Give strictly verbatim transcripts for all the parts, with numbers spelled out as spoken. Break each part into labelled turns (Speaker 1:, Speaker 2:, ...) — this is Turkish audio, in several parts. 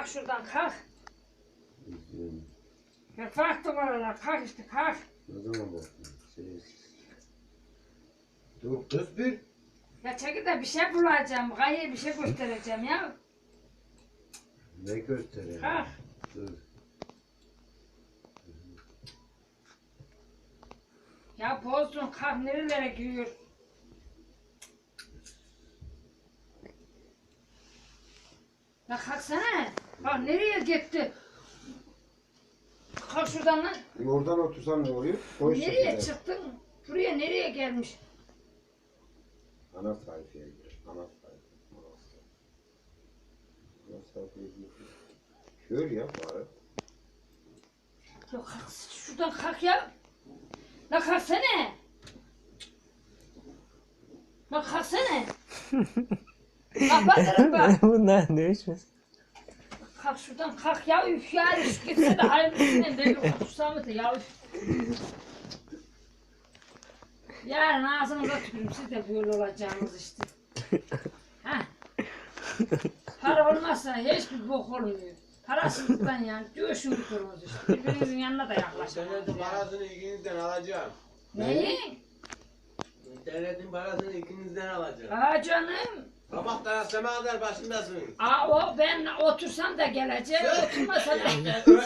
Speaker 1: kalk şuradan kalk. Ya kalk numaralar kalk işte kalk.
Speaker 2: Ne zaman baktın? Şerefsiz. Dur kız bir.
Speaker 1: Ya çekil de bir şey bulacağım. Gaye bir şey göstereceğim ya.
Speaker 2: Ne göstereyim?
Speaker 1: Kalk.
Speaker 2: Dur.
Speaker 1: Ya bozdun kalk nerelere giriyor. Ya kalksana. Bak nereye gitti? Kalk şuradan lan.
Speaker 2: Oradan otursan ne oluyor? Koy
Speaker 1: Nereye
Speaker 2: şekilde.
Speaker 1: çıktın? Buraya nereye gelmiş?
Speaker 2: Ana sayfaya gir. Ana sayfa. Ana sayfa. Ana sayfaya gir. Kör ya bari.
Speaker 1: Ya kalk şuradan kalk ya. La kalksana. La kalksana. Kapatırım bak.
Speaker 3: Bunlar ne içmez?
Speaker 1: Kalk şuradan kalk ya üf ya üf gitse de halimizinden de bir konuşsamı da ya üf. Yarın ağzınıza tükürüm siz de böyle olacağınız işte. Heh. Para olmazsa hiçbir bok olmuyor. Parasızlıktan yani dövüşün tuturunuz işte. Birbirinizin yanına da yaklaşın.
Speaker 4: İnternetin parasını ikinizden alacağım.
Speaker 1: Neyi?
Speaker 4: İnternetin parasını ikinizden alacağım.
Speaker 1: Aa canım.
Speaker 4: Sabahtan semaver başındasın.
Speaker 1: Aa o ben otursam da gelecek, oturmasam da.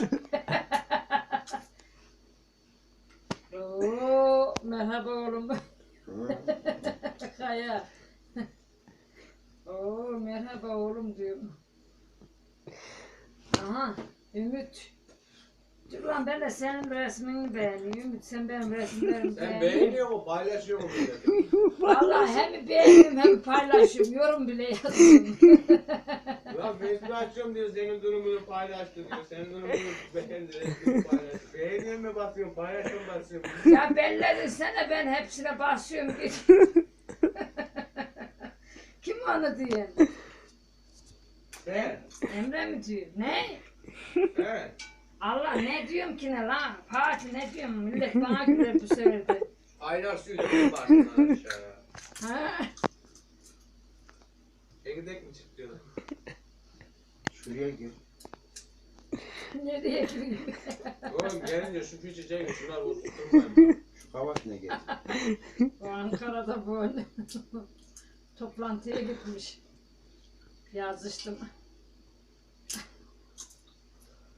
Speaker 1: Oo, merhaba oğlum. Kaya. Oo, merhaba oğlum diyorum. Aha, Ümit. Dur lan ben de senin resmini beğeniyorum. Ümit sen benim resmimi
Speaker 4: Sen
Speaker 1: beğeniyorsun.
Speaker 4: beğeniyor mu paylaşıyor mu millete?
Speaker 1: Vallahi hem beğeniyorum hem paylaşıyorum. Yorum bile yazıyorum.
Speaker 4: Ya Facebook açıyorum diyor senin durumunu paylaştı diyor. Senin durumunu beğendi resmini paylaştı. Beğeniyor mu basıyorum paylaşıyorum basıyorum.
Speaker 1: Ya belledin sana ben hepsine basıyorum. Kim onu diyor?
Speaker 4: Sen.
Speaker 1: Emre mi diyor? Ne?
Speaker 4: He.
Speaker 1: Allah ne diyorum ki ne lan? Fatih ne diyorum? Millet bana güler bu sefer de.
Speaker 4: Aylar sürüyor başından aşağıya.
Speaker 1: Ha?
Speaker 4: Çekirdek mi çıktı?
Speaker 2: Şuraya gir.
Speaker 1: Nereye gidiyor?
Speaker 4: Oğlum gelince şu küçücek şunlar oturtmayın.
Speaker 2: Şu kavaş ne getir?
Speaker 1: O Ankara'da böyle toplantıya gitmiş. Yazıştım.